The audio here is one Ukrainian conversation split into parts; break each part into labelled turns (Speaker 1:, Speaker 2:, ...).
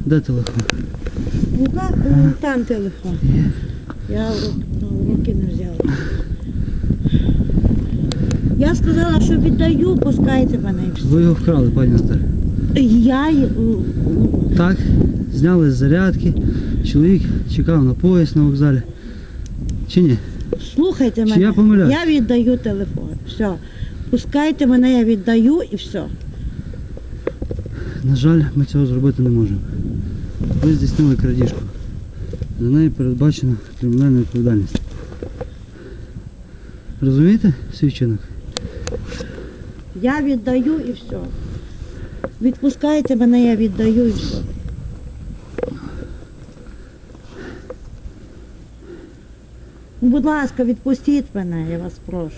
Speaker 1: Де телефон?
Speaker 2: Там телефон. Я в руки не взяла. Я сказала, що віддаю, пускайте мене і все.
Speaker 1: Ви його вкрали, пані Наталя. Так, зняли з зарядки. Чоловік чекав на поїзд на вокзалі. Чи ні?
Speaker 2: Слухайте
Speaker 1: Чи
Speaker 2: мене.
Speaker 1: я помиляюсь?
Speaker 2: Я віддаю телефон. Все. Пускайте мене, я віддаю і все.
Speaker 1: На жаль, ми цього зробити не можемо. Ви здійснили крадіжку. За неї передбачена кримінальна відповідальність. Розумієте свій вчинок?
Speaker 2: Я віддаю і все. Відпускайте мене, я віддаю і все. Ну, будь ласка, відпустіть мене, я вас прошу.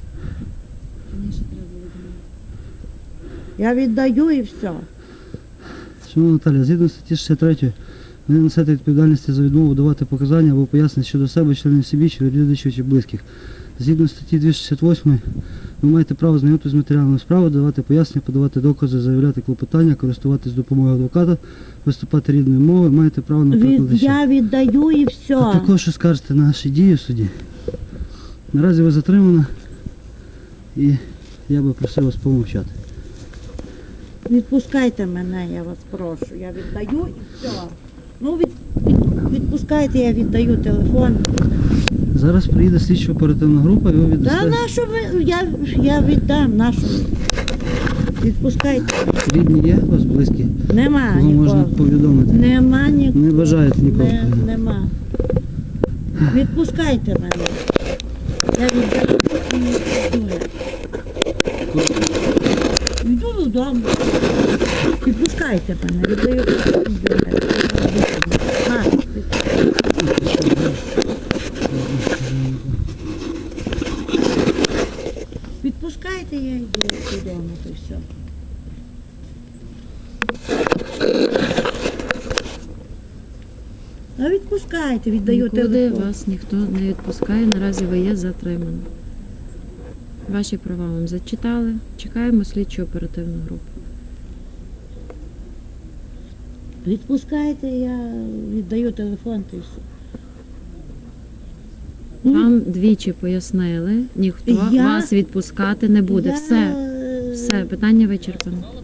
Speaker 2: Я віддаю і все.
Speaker 1: Шановна Наталя, згідно статті 63, ви не несете відповідальності за відмову давати показання або пояснення щодо себе, членів сім'ї, чи родичів, чи близьких. Згідно статті 268, ви маєте право знайомитися з матеріалами справи, давати пояснення, подавати докази, заявляти клопотання, користуватись допомогою адвоката, виступати рідною мовою, маєте право на перекладача.
Speaker 2: Я віддаю і все.
Speaker 1: А також скажете на наші дії в суді. Наразі ви затримана і я би просив вас помовчати.
Speaker 2: Відпускайте мене, я вас прошу. Я віддаю і все. Ну, відпускайте, я віддаю телефон.
Speaker 1: Зараз приїде слідчо-оперативна група і ви
Speaker 2: Та
Speaker 1: віддасте.
Speaker 2: нашу я віддам, нашу. Відпускайте.
Speaker 1: Рідні є у вас близькі?
Speaker 2: Нема
Speaker 1: Кого можна
Speaker 2: нікого.
Speaker 1: повідомити?
Speaker 2: Нема нікого.
Speaker 1: Не бажаєте нікого?
Speaker 2: Нема. Відпускайте мене. Я віддаю і йду. Йду додому. Відпускайте мене. Віддаю і йду. Відпускайте, я йду додому, то все. А відпускайте, віддаю
Speaker 3: Нікуди
Speaker 2: телефон.
Speaker 3: вас ніхто не відпускає, наразі ви є затримані. Ваші права вам зачитали. Чекаємо слідчу оперативну групу.
Speaker 2: Відпускайте, я віддаю телефон, то все.
Speaker 3: Вам двічі пояснили, ніхто
Speaker 2: Я-
Speaker 3: вас відпускати не буде. Все, питання вичерпано.